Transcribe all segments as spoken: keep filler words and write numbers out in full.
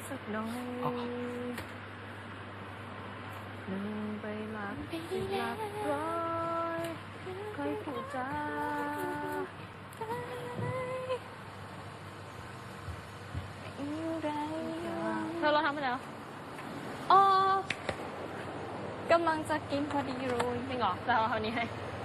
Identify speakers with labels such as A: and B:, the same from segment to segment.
A: สักหน่อยหนึ่งไปหลักสิบหลักร้อยใครพูดจาเธอเราทำไปแล้ว
B: อ๋อกำลังจะกินพอดีเลย
A: จริงเหรอจะเอาเท่านี้ให้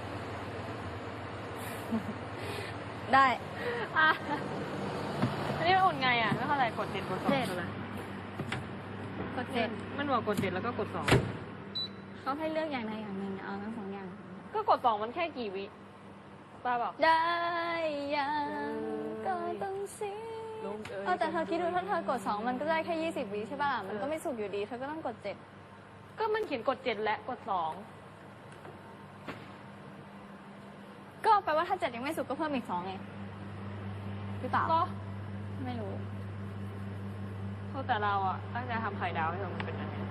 B: ได้
A: อ่ะอันนี้มันอุ่นไงอ่ะไม่เข้าใจกดเจ็ดกดสองอะไร
B: กดเจ็ด
A: มันบอกกดเจ็ดแล้วก็กดสอง
B: เขาให้เลือกอย่างใดอย่างหนึ่งเอาทั้งสองอย่าง
A: ก็กดสองมันแค่กี่วิป้าบอก
B: ได้ยังก็ต้องสิเออแต่เธอคิดดูถ้าเธอกดสองมันก็ได้แค่ยี่สิบวิใช่ป่ะมันก็ไม่สุกอยู่ดีเธอก็ต้องกดเจ็ด
A: ก็มันเขียนกดเจ็ดและกดสอง
B: ก็แปลว่าถ้าเจ็ดยังไม่สุกก็เพิ่มอีกสองไงหรือเปล่า
A: ก็
B: ไม่รู้
A: เพราะแต่เราอ่ะตั้งใจทำไข่ดาวให้มันเป็นอันนี้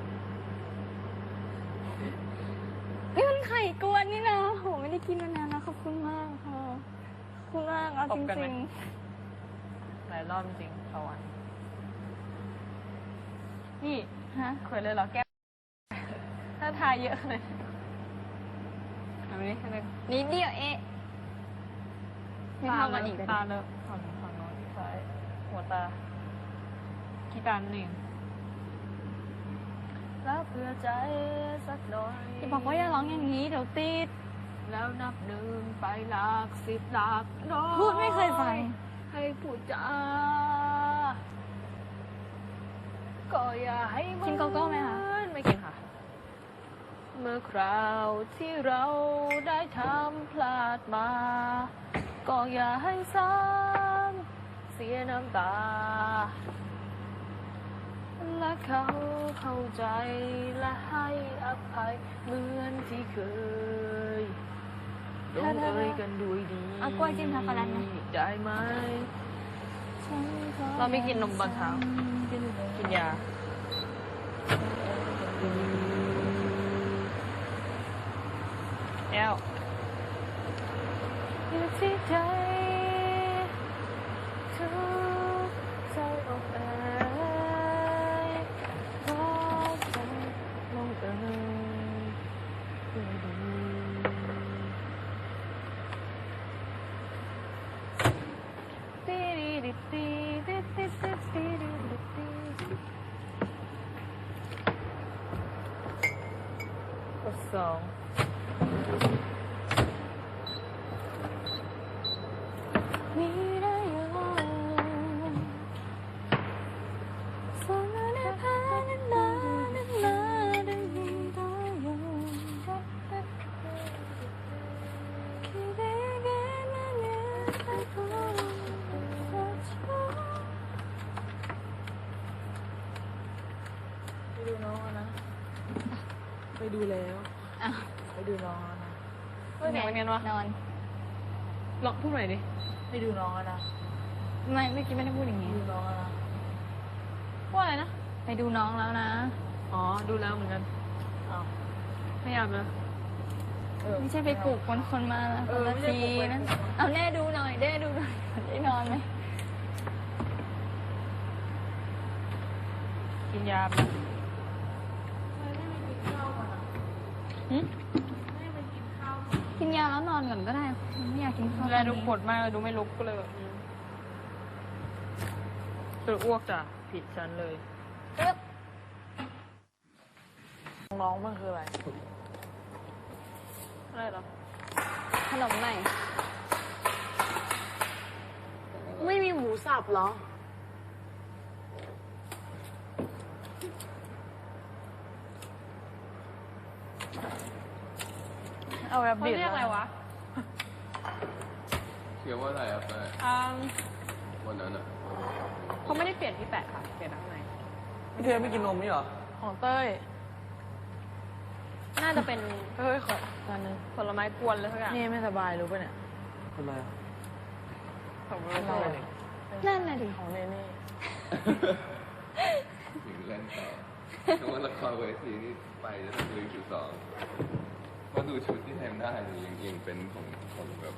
B: นี่มันไข่กวนนี่นะโหไม่ได้กินมานานนะขอบคุณมากค่ะขอบคุณมากเอาจริง
A: ๆหลายรอบจริงเขาอ่ะนี่
B: ฮะ
A: เคยเลยเหรอแก้ถ้าทายเยอะเลยอันนี้แค่นี้
B: นิดเดียวเอ๊ะไม่เท่ากันอีก
A: ตาเลอะฝั่งฝั่งโน้นซ้ายหัวตาขี้ตาหนึ่งรับเพื่อใจสักหน่อย
B: อย่าบอกว่าอย่าร้องอย่างนี้เดี๋ยวติด
A: แล้วนับหนึ่งไปหลักสิบหลักน้อย
B: พูดไม่เคยฟัง
A: ให้พูดจาก็อย่าให้มัน
B: กินโกโก้ไหมคะ
A: ไม่กินค่ะเมื่อคราวที่เราได้ทำพลาดมาก็อย่าให้ซ้ำเสียน้ำตาและเขาเข้าใจและให้อภัยเหมือนที่เคยลงเอยกันด้วยดี
B: เอากล้วยจิ้มช็อกโกแลตไหม
A: ได้ไหมเราไม่กินนมตอนเช้ากินยาแอลอยู่ที่ใจทุกใจอกเอ๋ยรักใจลงเอ๋ยด้วยดีตีดีตีตีตีตีตีดีตีกดสอง
B: มีได้ยังสองนาพานันนานันนาได้มีได้ยังคิดได้แค่นั้นเนี่ยไปพูดรักฉัน
A: ไปดูน้องนะไปดูแล้วไปดูน้องนะเฮ้ยเสียงเป็นไงวะ
B: นอน
A: ลองพูดหน่อยดิไปดูน้องนะ
B: ไม่เมื่อกี้ไม่ได้พูดอย่างนี้
A: ดูน้องนะว่าอะไรนะ
B: ไปดูน้องแล้วนะ
A: อ๋อดูแล้วเหมือนกันอ้าวไม่อยากเลย
B: ไม่ใช่ไปปลุกคนคนมาแล้วคนละทีนะเอาแน่ดูหน่อยแน่ดูหน่อยได้นอนไหม
A: กินยาไป
B: กินยาแล้วนอนก่อนก็ได้ไม่อยากกินข้าว
A: เวลาดูปวดมากเลยดูไม่ลุกก็เลยแบบตัวอ้วกจ้ะผิดฉันเลยน้องมันคืออะไรอะไรหรอ
B: ขนมใหม่
A: ไม่มีหมูสับเหรอเอาแบบเรียกอะไรวะ
C: เขียนว่าอะไรอ่ะแปะวันนั้นอ่ะ
A: เขาไม่ได้เปลี่ยนที่แปะค่ะเปลี่ยนข้างใน
C: พี่เธอไม่กินนมนี่หรอ
A: ของเต้ยน่าจะเป็นเฮ้ยขอตอนนึงผลไม้กวนเลยทุกอย่างนี่ไม่สบายรู้ป่ะเนี่ย
C: ทำไมอ่ะ
A: ของเรา
B: นั่นน่ะดิ
A: ของเน่เน่
C: ถึงเล่นต่อเพราะว่าละครเวทีนี่ไปจะต้องดูชุดสองก็ดูชุดที่แทนได้ยังยังเป็นของของแบบ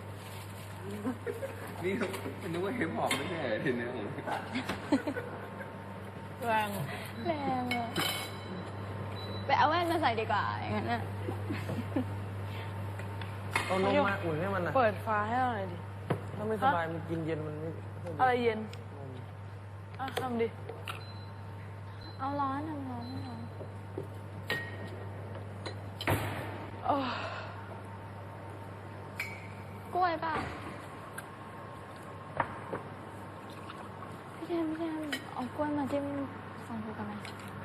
C: นี่นึกว่าเฮปฮอปไม่ใช่ทีนี้ผม
A: แรง
B: แรงอะไปเอาแว่นมาใส่ดีกว่าอย่างนั้นน่ะ
D: เอานมมาอุ่นให้มันนะ
A: เปิดฟ้าให้เราหน่อยดิ
D: ถ้าไม่สบายมันกินเย็นมันไม่ค่อยดี
A: อะไรเย็น
D: นม
A: อ่ะทำดิ
B: เอาร้อนทำร้อนให้ร้อน
A: โอ้
B: กล้วยเปล่าพี่เทมพี่เทมเอากล้วยมาจิ้มฟังดูกันไหม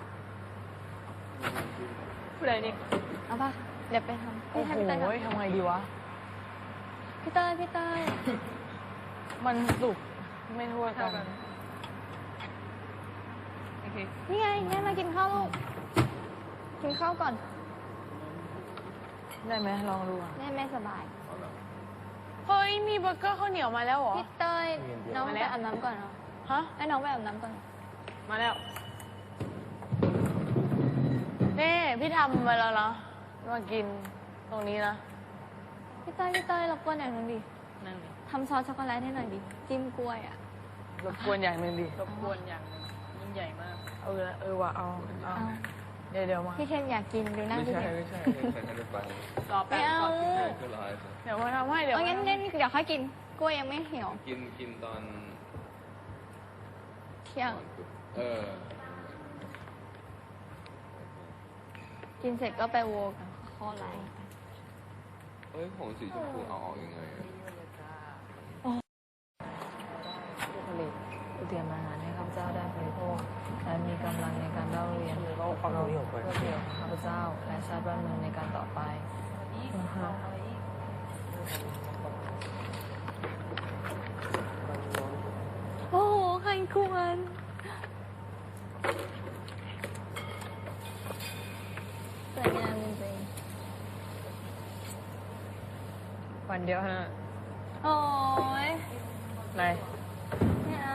A: ผู้ใดนี่
B: เอาป่ะเดี๋ยวไปทำ
A: โอ้
B: พี่
A: โห
B: เทมพี่เต้ย
A: ทำไงดีวะ
B: พี่เต้ยพี่เต้ย
A: มันสุกไม่ทั่วกันโอเค
B: นี่ไงแม่มากินข้าวลูกกินข้าวก่อน
A: ได้ไหมลองดูอ่ะ
B: แม่ไม่สบาย
C: เอาละ
A: เฮ้ย มีเบอร์เกอร์ข้าวเหนียวมาแล้วเหรอ
B: พี่เต้ยน้องไปอาบน้ำก่อนเนาะ
A: ฮะ
B: ให้น้องไปอาบน้ำก่อน
A: มาแล้ว นี่ พี่ทำมาแล้วนะ มากินตรงนี้นะ
B: พี่เต้ยพี่เต้ยรบกวนอย่างหนึงดิ
A: นั่นดิ
B: ทำซอสช็อกโกแลตให้หน่อยดิจิ้มกล้วยอ่ะ
A: รบกวนอย่างหนึ่งดิ รบกวนอย่างหนึ่งยิ่งใหญ่มาก เออ เออว่ะเอาเอา
B: เอา
A: เดี๋ยวเดี๋ยวมา
B: พี่เทมอยากกินดูหน้า
C: ไม่
B: พี่
C: ใช่
B: เทม
C: ไม่ใช่ใครจะไป
A: รอแป๊บ
B: ไม่เอา
A: ก่อน
C: ใช่ก็รอให้
A: เดี๋ยวมาทำให้เดี๋ยว
B: เอางั้นงั้นเดี๋ยวค่อยกินกล้วยยังไม่เหี่ยว
C: กินกินตอน
B: เที่ยง
C: ก่อนปุ๊บเออ
B: กินเสร็จก็ไปโวกันข้อไหล
C: เอ้ยผงสีชมพูเอาออกยังไงอะ
A: ผู้ผลิตผู้เตรียมอาหารให้ข้าพเจ้าได้บริโภคและมีกำลังในการเล่าเรียน
D: เราเอาตรงนี้ออกไป
A: เพื่อประโยชน์ของข้าพเจ้า และชาติบ้านเมืองในการต่อไปอือฮะ
B: โอ้โหใครควรสวยงามจริง
A: วันเดียวนะ
B: ๆโอ้ย
A: อะไร
B: ไม่เอา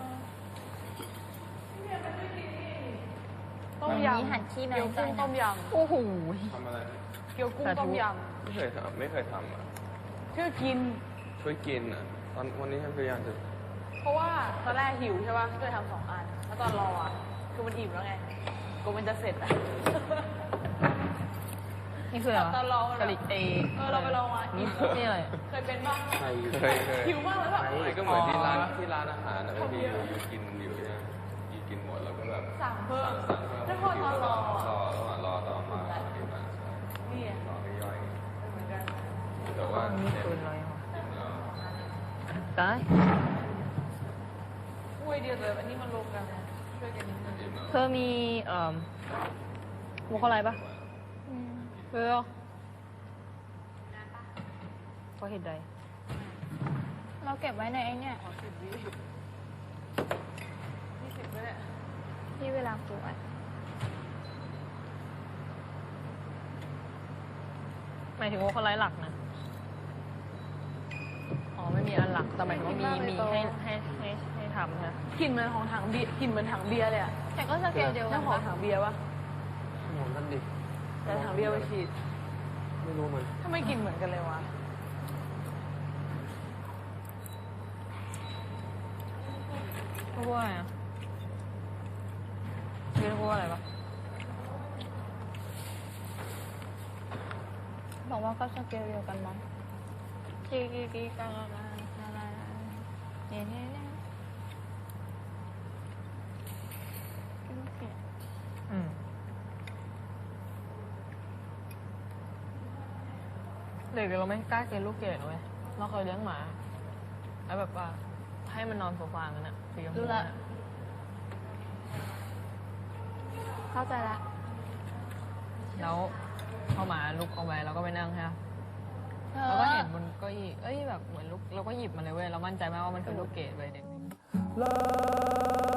A: ต้ม
B: อัน
A: ย
B: นี้หั่นขี้
A: ำ
B: น้อ
A: เกี๊ย
B: ยว ใจ
A: กุ้ง
B: นะ
A: ต้มย
B: โอ้โห
C: ทำอะไร
A: ำเกี๊ยวกุ้งสาธุต้มย
C: ไม่เคยทำไม่เคยทำอ่ะ
A: ำชื่อกิน
C: ช่วยกินอ่ะ ตอนวันนี้ฉันพยายามจะ
A: เพราะว่าตอนแรกหิวใช่ป่ะก็เลยทำสองอัน แล้วตอนรออ่ะ คือมันอิ่มแล้วไงกูมันจะเสร็จอ่ะ
E: นี่คืออะไรวะ
A: ตอนรอมัน
E: กะหรี่เอ
A: เออเราไปลองมากิน
E: นี่อะไร
A: เคยเป็นป่ะ
D: ใครอยู่
C: เคยเคย
A: หิวมากแล้วแบบ
C: ไม่ก็เหมือนที่ร้าน
E: อ๋อ
C: ที่ร้านอาหารนะบางทีอยู่อยู่กินอยู่เนี่ยอยู่กินหมดแล้วก็แบบ
A: สั่งเพิ่ม
C: สั่งเพิ่ม
A: แล้วพอตอนรอ
C: รอระหว่างรอต่อมาที่มา
A: นี่ไง
C: รอให้ย่อย
A: เหมือนกัน
C: แต่ว่า
E: นี่
C: เนี่ย
E: คืออะไรวะ
C: กินแล้ว
E: ตาย
A: อุ้ยเดียวเลยอันนี้มันรวมกันนะช่วยกันนิดนึง
C: กินแล้ว
E: เธอมีเอ่อหมูกอะไรปะ
B: อืม
E: เธอเพราะเหตุใด
B: เราเก็บไว้ในไอ้เนี่ย
A: ขอสิบวิยี่สิบก็ได้
B: ที่เวลาปวด
E: หมายถึงว่าคนไร้หลักนะ อ๋อไม่มีอันหลัก แต่หมายถึงว่ามีมีให้ให้ให้ให้ทำนะ
A: กลิ่นเหมือนของถังเบียร์กลิ่นเหมือนถังเบียร์เลยอ่ะ
B: แต่ก็สเกลเดียวกั
A: น้าน หอม
B: ปะ
A: ถังเบียร์ปะ
D: หมอนนั่นดิ
A: แต่ถังเบียร์ไปฉีด
D: ไม่รู้มัน
A: ทำไมกลิ่นเหมือนกันเลยวะ
E: พูดว่าอะไรอ่ะเรียกว่าอะไรปะ
B: บอกว่าก็สเกลเดียวกันมั้งกีกีกีกาลาลาลาลาเนี่ยเนี่ยเนี่ย
E: อืมเด็กเราไม่กล้ากินลูกเกดเว้ยเราเคยเลี้ยงหมาแล้วแบบว่าให้มันนอนโซฟากันอะสีชมพู
B: รู้ละ
E: อะ
B: เข้าใจละ
E: แล้วพอหมาลุกเอาไว้เราก็ไปนั่งใช่ไหม
B: เธ
E: เรา
B: อ
E: ก็เห็นบนเก้าอี้เอ้ยแบบเหมือนลูกเราก็หยิบมาเลยเว้ยเรามั่นใจมากว่ามันคือลูกเกดเว้ยเด็ก